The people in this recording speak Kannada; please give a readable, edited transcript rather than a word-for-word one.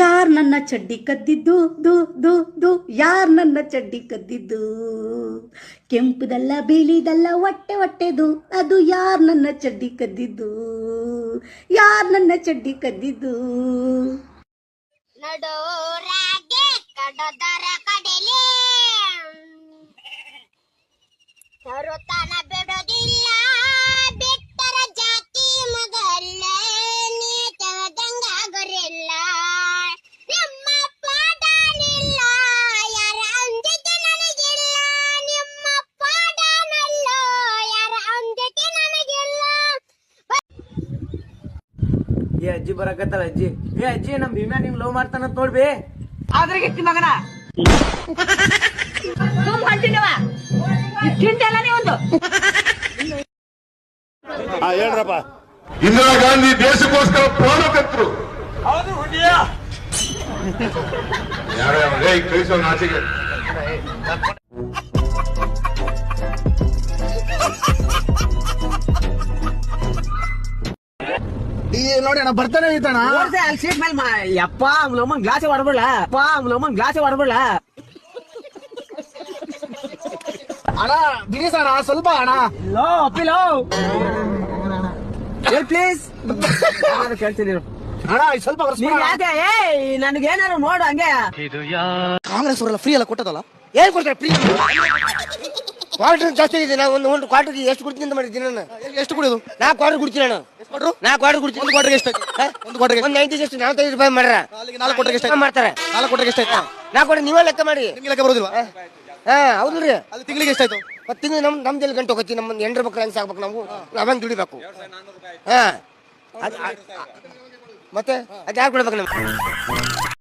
ಯಾರ್ ನನ್ನ ಚಡ್ಡಿ ಕದ್ದಿದ್ದು ದು ದು ದು ಯಾರ್ ನನ್ನ ಚಡ್ಡಿ ಕದ್ದಿದ್ದು ಕೆಂಪುದಲ್ಲ ಬಿಳಿದಲ್ಲ ಹೊಟ್ಟೆ ಹೊಟ್ಟೆದು ಅದು ಯಾರ್ ನನ್ನ ಚಡ್ಡಿ ಕದ್ದಿದ್ದು ಯಾರ್ ನನ್ನ ಚಡ್ಡಿ ಕದ್ದಿದ್ದು ನಡೋರಾಗೆ ಕಡದರ ಕಡೆಲೆ ತರುತ್ತಾನ ಬಿಡೋದಿಲ್ಲ ಬಿಟ್ಟರ ಜಾತಿ ಮಗಲ್ಲ ನೀತದಂಗ ಗೊರಿಲ್ಲ ನಿಮ್ಮ ಪಾಡನಿಲ್ಲ ಯಾರ ಅಂದಿಕೆ ನನಗಿಲ್ಲ ನಿಮ್ಮ ಪಾಡನಲ್ಲ ಯಾರ ಅಂದಿಕೆ ನನಗಿಲ್ಲ ಏ ಅಜ್ಜಿ ಬರಕತ್ತಲ್ಲ ಅಜ್ಜಿ ಏ ಅಜ್ಜಿ ನಮ್ ಭೀಮ್ಯಾ ನಿಂಗ್ ಲವ್ ಮಾಡ್ತಾನಂತ ನೋಡ್ಬಿ ಆದ್ರೆ ಗಿಟ್ಟಿ ಮಗನ ಹೊಂಟಿನವ ಚಿಂತೆಲ್ಲ ನೀವೊಂದು ಹೇಳ್ರಪ್ಪ. ಇಂದಿರಾ ಗಾಂಧಿ ದೇಶಕ್ಕೋಸ್ಕರ ಪ್ರಾಣ ತೆತ್ತರು. ಯಾರು ಕಳಿಸೋ ಆಚೆಗೆ ನೋಡಿ ಅಣ್ಣ ಬರ್ತಾನೆ ಐತಣ್ಣ. ಅಲ್ಲಿ ಸೀಟ್ ಮೇಲೆ ಯಪ್ಪ ಅವ್ನ ಗ್ಲಾಸೆ ಹೊಡ್ಬಿಡ್ಲ ಅಪ್ಪ ಅವ್ನ ಗ್ಲಾಸೆ ಹೊಡ್ಬಿಡ್ಲ ಅಣ್ಣ ಬಿಡಿಸ ಅಣ್ಣ ಸ್ವಲ್ಪ ಅಣ್ಣ. ಲೋ ಅಪ್ಪಿಲೋ ಪ್ಲೀಸ್ ಕೇಳ್ತೀನಿ ಅಣ್ಣ ಸ್ವಲ್ಪ ನೀನ್ ಯಾಕೆ ನನ್ಗೇನಾರು ನೋಡು ಹಂಗೆ ಕಾಂಗ್ರೆಸ್ ಅವರೆಲ್ಲ ಫ್ರೀ ಎಲ್ಲ ಕೊಟ್ಟದಲ್ಲ ಏನ್ ಕೊಡ್ತಾರೆ ಫ್ರೀ? ಕ್ವಾರ್ಟರ್ ಜಾಸ್ತಿ ಇದೆ. ನಾವು ಒಂದು ಕ್ವಾರ್ಟರ್ ಎಷ್ಟು ಕುಡ್ತೀನಿ ಅಂತ ಮಾಡಿದ್ದೀನಿ ನಾನು. ಎಷ್ಟು ಕುಡಿಯೋದು? 4 ಕ್ವಾರ್ಟರ್ ಕುಡ್ತೀನಿ ನಾನು. 4 ಕ್ವಾರ್ಟರ್ ಕುಡ್ತೀನಿ. ಒಂದು ಕ್ವಾರ್ಟರ್ಗೆ ಎಷ್ಟು? ಒಂದು ಕ್ವಾರ್ಟರ್ಗೆ ಒಂದು 90 ಎಷ್ಟು 45 ರೂಪಾಯಿ ಮಾಡ್ರ 4 ಕ್ವಾರ್ಟರ್ಗೆ ಎಷ್ಟು ಮಾಡ್ತಾರೆ. 4 ಕ್ವಾರ್ಟರ್ಗೆ ಎಷ್ಟಾಯ್ತು? 4 ಕ್ವಾರ್ಟರ್ ನೀವೇ ಲೆಕ್ಕ ಮಾಡಿ. ನಿಮ್ಗೆ ಲೆಕ್ಕ ಬರೋದಿಲ್ವಾ? ಹಾ ಹೌದ್ರಿ. ಅಲ್ಲಿ ತಿಂಗಳಿಗೆ ಎಷ್ಟಾಯ್ತು? ಮತ್ತೆ ತಿಂಗಳು ನಮ್ದು ಎಲ್ಲಿ ಗಂಟೆ ಹೋಗ್ತಿ ನಮ್ಮ ಎಂಡ್ರ ಮಕ್ಳು ಹೆಂಗ್ ಸಾಕ್ಬೇಕು ನಾವು ನಾವಂಗ್ ದುಡಿಬೇಕು. ಹಾ ಮತ್ತೆ ಅದ್ ಯಾರು ಕೊಡ್ಬೇಕು ನಮ್ಗೆ?